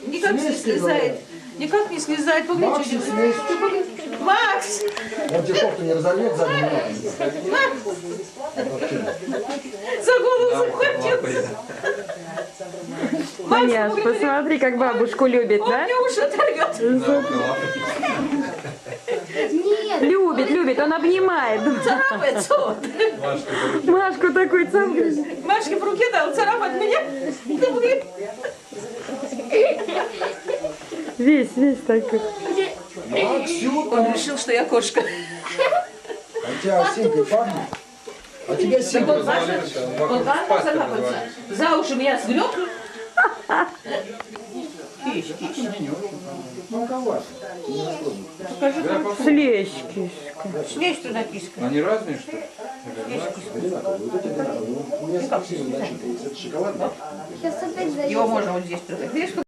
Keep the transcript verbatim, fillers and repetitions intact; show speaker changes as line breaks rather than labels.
никак не слезает. Никак не слезает.
Макс, не смейся.
Макс!
Он тебе кофту не разольет заднюю.
За голову захватил.
Маняш, посмотри, как бабушку любит,
Он
да?
мне уши оторвет.
Нет.
Любит, любит, он обнимает.
Царапается он.
Машку такой цапает.
Машке в руке дал, царапать меня.
Весь, весь такой.
Максюта.
Он решил, что я кошка.
А у тебя симкой пахнет? А тебя симкой
Он важно, он важно царапаться. За уши меня сгреб. Киш, киш.
Мелковато.
Слезь, кишка.
Снесть туда киска.
Они разные, что ли?
Одинаковые. Вот эти одинаковые. У меня совсем начитывается. Это шоколадный.
Сейчас опять зайдет.
Его можно вот здесь трогать. Видишь,